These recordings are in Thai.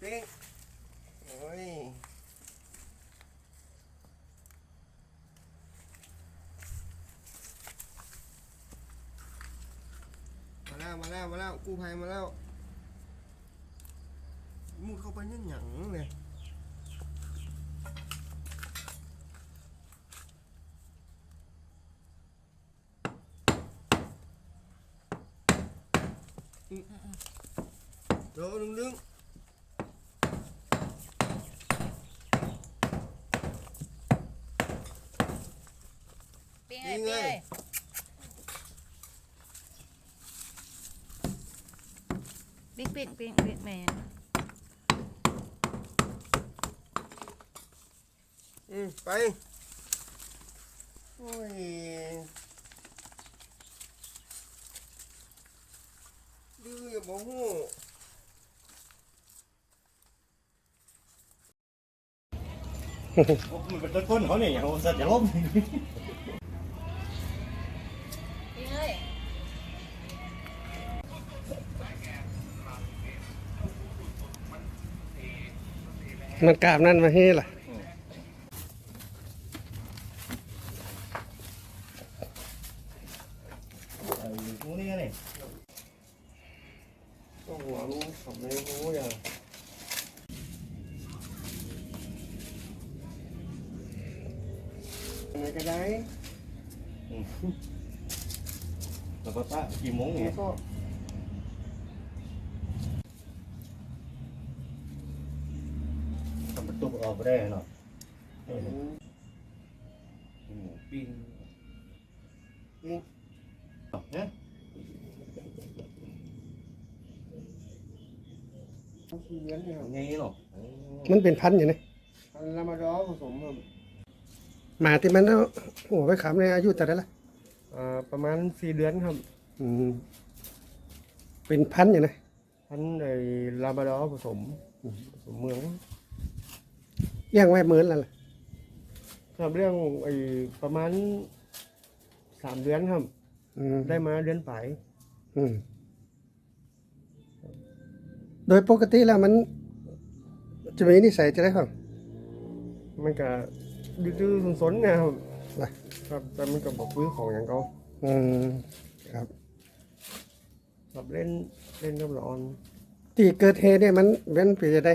ปิ้งโอ้ยมาแล้วกู้ภัยมาแล้วมุดเข้าไปยังหยังเลยเดี๋ยวดึงปิ้งเลยปิ้งแมนไปโอ้ยดื้ออย่าบอกหูมันเป็นต้นก้นเขาเนี่ยเขาสัตว์อย่าล้มปิ้งเลยมันกราบนั่นมาให้ล่ะพวกนี้เนี่ยก็หัวรู้ขับเลยรู้อย่างอะไรก็ได้แล้วก็ป้ากี่โมงแล้เนี่วย ก็ทำประตูออกไปได้เนาะหมูปิ้งเนี่ยต้องเลี้ยงเนี่ยไงเนาะมันเป็นพันธุ์อย่างนี้พันธุ์ลามาดอร์ผสมครับหมาที่มันเอาหัวไปขำในอายุแต่ได้ละประมาณ4 เดือนครับเป็นพันธุ์อย่างนี้พันธุ์ไอ้ลาบราดอร์ผสมเมืองเลี้ยงไว้เหมือนแล้วล่ะครับเรื่องไอ้ประมาณ3 เดือนครับ ได้มาเดือนปลายโดยปกติแล้วมันจะมีนิสัยจะได้ครับมันก็ดื้อๆสนๆนะครับล่ะครับแต่มันก็บอกพื้นของอย่างเขาครับครับเล่นกับละออนที่เกิดเหตุเนี่ยมันเป็นปีจะได้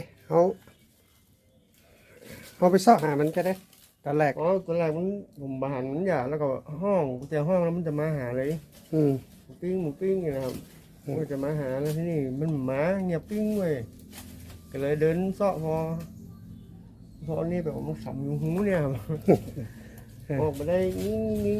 เขาไปซ่อหามันจะได้ตอนแรกอ๋อตอนแรกผมบาหันมันหยาแล้วก็ห้องกุญแจห้องแล้วมันจะมาหาเลย หมูปิ้งอย่างนะครับมันก็จะมาหาแล้วที่นี่มันหมาเงียบปิ้งเว้ยก็เลยเดินเสาะพอนี่แบบมันขำอยู่หูเนี่ยครับ ออกมาได้นิ่ง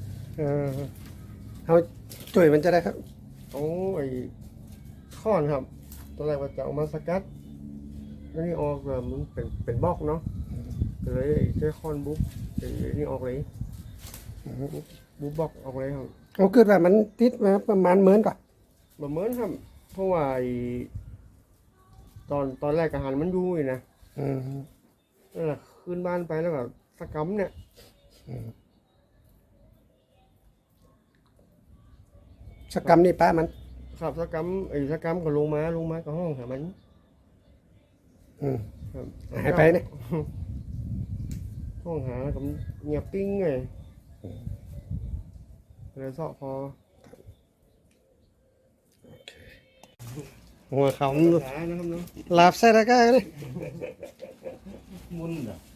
เขาจุ่ยมันจะได้ครับๆเอาไอ้ค้อนครับตอนแรกว่าจะเอามาสกัดแล้วนี่ออกแบบมันเป็นบล็อกเนาะก็เลยใช้ค้อนบุ๊บไอ้นี่ออกเลยบุ๊บบล็อกออกเลยครับเขาเกิดว่ามันติดมาประมาณเหมือนก่อนแบบเหมือนครับเพราะว่าไอ้ตอนแรกอาหารมันอยู่นะนั่นแหละขึ้นบ้านไปแล้วก็สกำเนี่ยสกรรมนี่ป้ามันขับสกำไอ้สกำก็ลงมาก็ห้องหามันครับหายไปเนี่ยห้องหาแล้วก็เงียบปิ้งเลยเลยเสาะพอหัวเขาหานะครับเนาะลาบใส่ตะกร้าเลยมุนอ่ะ